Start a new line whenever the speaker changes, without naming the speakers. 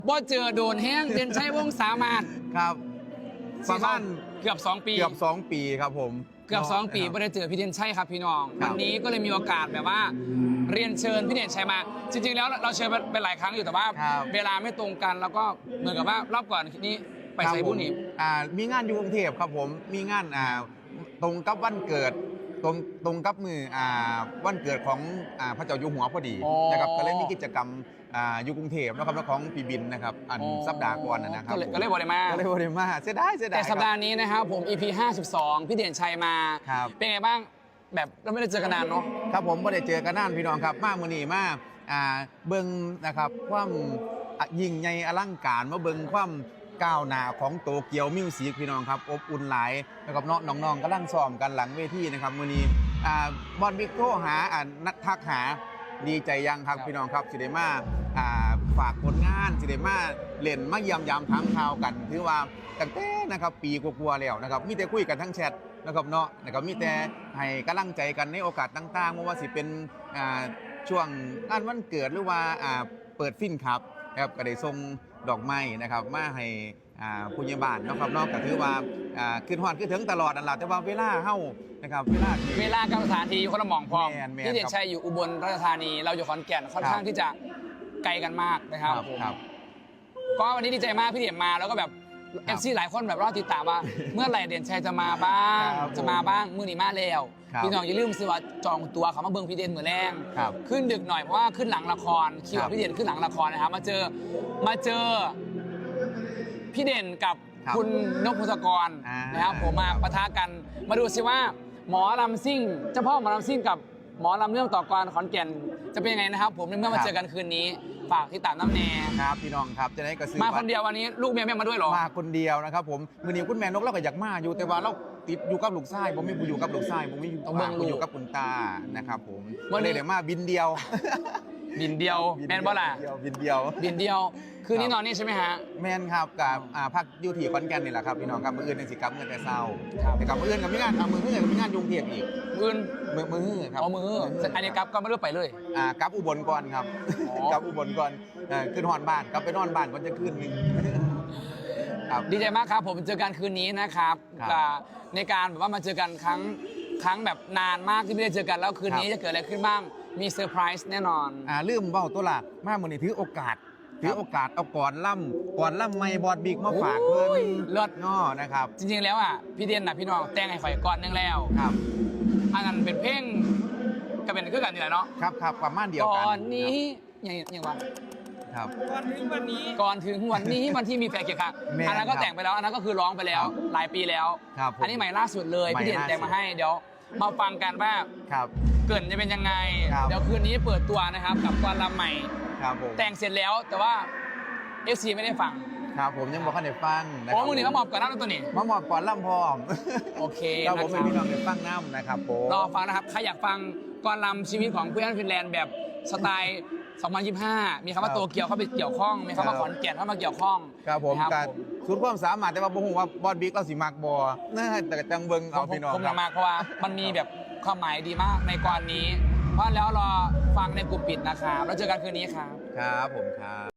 บ่เจอโดนแห้งเด่นชัยวงศ์สามารถ
ครับประมาณ
เกือบ2 ปี
เกือบ 2 ปีครับผม
เกือบ2 ปีไม่ได้เจอพี่เด่นชัยครับพี่น้องวันนี้ก็เลยมีโอกาสแบบว่าเรียนเชิญพี่เด่นชัยมาจริงๆแล้วเราเชิญไปหลายครั้งอยู่แต่ว่าเวลาไม่ตรงกันแล้วก็เหมือนกับว่ารอบก่อนนี้ไปใส่บุญนี่
มีงานอยู่กรุงเทพครับผมมีงานตรงกับวันเกิดตรงกับมือวันเกิดของพระเจ้าอยู่หัวพอดีนะครับก็เลยมีกิจกรรมอยู่กรุงเทพนะครับแล้วของปีบินนะครับสัปดาห์ก่อนนะครับ
ก็เลยบริมา
เสียดาย
แต่สัปดาห์นี้นะครับผม EP 52พี่เด่นชัยมาเป็นไงบ้างแบบเราไม่ได้เจอกันนานเนาะ
ครับผมไม่ได้เจอกันนานพี่น้องครับมาเมื่อนี้มาเบิ้งนะครับความยิ่งใหญ่อลังการมาเบิ้งความก้าวหน้าของโตเกียวมิวสิกพี่น้องครับอบอุ่นหลายนะครับน้องๆกำลังซ้อมกันหลังเวทีนะครับมื้อนี้บอลบิ๊กโทรหานัดทักหาดีใจยังครับพี่น้องครับสิได้มาฝากผลงานสิได้มาเล่นมาเยี่ยมยามถามข่าวกันถือว่าตั้งแต่นะครับปีกว่าๆแล้วนะครับมีแต่คุยกันทั้งแชทนะครับเนาะนะครับมีแต่ให้กำลังใจกันในโอกาสต่างๆไม่ว่าสิเป็นช่วงงานวันเกิดหรือว่าเปิดฟินครับนะครับก็ได้ส่งดอกไม้นะครับมาให้ผู้ใหญ่บ้านนะครับนอกจากถือว่าขึ้นฮอดขึ้นถึงตลอดนั่นแหละแต่ว่าเวลาเฮานะครับเว
ลากับสถานที่คนละหม่องพร้อมที่เด่นชัยอยู่อุบลราชธานีเราอยู่ขอนแก่นค่อนข้างที่จะไกลกันมากนะครับก็วันนี้ดีใจมากพี่เด่นมาแล้วก็แบบFCหลายคนแบบรอติดตามว่าเมื่อไหร่เด่นชัยจะมาบ้างมื้อนี้มาแล้วพี่น้องอย่าลืมซื้อว่าจองตัวเขามาเบิ่งพี่เด่นมื้อแรงขึ้นดึกหน่อยเพราะว่าขึ้นหลังละครคิวพี่เด่นขึ้นหลังละครนะครับมาเจอพี่เด่นกับคุณนกพงศกรนะครับผมมาปะทะกันมาดูซิว่าหมอลำซิ่งเจ้าพ่อหมอลำซิ่งกับหมอลำเรื่องต่อกรขอนแก่นจะเป็นยังไงนะครับผมเมื่อมาเจอกันคืนนี้ฝากที่ตามน้ำแน่
ครับพี่น้องครับจะได้กระซื้อ
มาคนเดียววันนี้ลูกแม่มาด้วยหรอ
มาคนเดียวนะครับผมมือนี้คุณแม่นกเราก็อยากมาอยู่แต่ว่าเราติดอยู่กับลูกชายผมไม่อยู่กับลูกชายผมไม่อยู่กับคุณตานะครับผมวันนี้เดี๋ยวมาบินเดียว
แมนบ่ล่ะ
บินเดียว
คืนนี้นอนนี่ใช่ไหมฮะ
แมนครับกับพักอยู่ที่ขอนแก่นนี่แหละครับพี่น้องครับมืออื่นในสิกับเงินแต่เศร้าแต่กับมืออื่นกับมีงานมืออื่นกับมีงานยุงเทียบอีก
มือ
ครับ
มืออันนี้กับก็ไม่รู้ไปเลย
กับอุบลก่อนครับกับอุบลก่อนขึ้นฮอนบ้านกับไปนอนบ้านก่อนจะขึ้นนึง
ดีใจมากครับผมเจอกันคืนนี้นะครับในการแบบว่ามาเจอกันครั้งแบบนานมากที่ไม่ได้เจอกันแล้วคืนนี้จะเกิดอะไรขึ้นบ้างมีเซอร์ไพรส์แน่นอน
ลืมเบ้าตัวละมาเมื่อนี้ถือโอกาสเอาก่อนล่ำไม่บอดบิ๊กมาฝากเพื่อน
เลิศ
ง้อนะครับ
จริงๆแล้วพี่เด่นพี่น้องแต่งให้ข่อยก่อนนึงแล้ว
ครับ
อันนั้นเป็นเพลงก็เป็นคือกันนี่แหละเนาะ
ครับประมาณเดียวกัน
ก่อนนี้อย่างว่า
ครับ
ก่อนถึงวันนี้วันที่มีแฟนเกียร์ค่ะอันนั้นก็แต่งไปแล้วอันนั้นก็คือร้องไปแล้วหลายปีแล้วอันนี้ใหม่ล่าสุดเลยพี่เด่นแต่งมาให้เดี๋ยวมาฟังกันว่าเกิดจะเป็นยังไงเดี๋ยวคืนนี้เปิดตัวนะครับกับกรลำใหม่แต่งเสร็จแล้วแต่ว่า FC ไม่ได้ฟัง
ครับผมยังบอกให้ได้ฟัง
นะมึงนี่มาหมอบก่อนน้ำตัวนี้
มาหมอบก่อนล่ำพร้อม
โอเค
เราผมเป็นพี่น้องได้ฟังน้ำนะครับผม
รอฟังนะครับใครอยากฟังกรลำชีวิตของเพื่อนฟินแลนด์แบบสไตล์2025มีคำว่าโตเกียวเข้าไปเกี่ยวข้องมีคำว่าขอนแก่นเข้ามาเกี่ยวข้อง
ครับผมการสุดความสามารถแต่ว่าผมว่าบอลบิ๊กเราสิมากบอน่าแต่จังเบิงเอาพี่น้อง
ผมมากเพราะว่ามันมีแบบความหมายดีมากในกรนี้เพราะแล้วรอฟังในกลุ่มปิดนะครับแล้วเจอกันคืนนี้ครับ
ผมครับ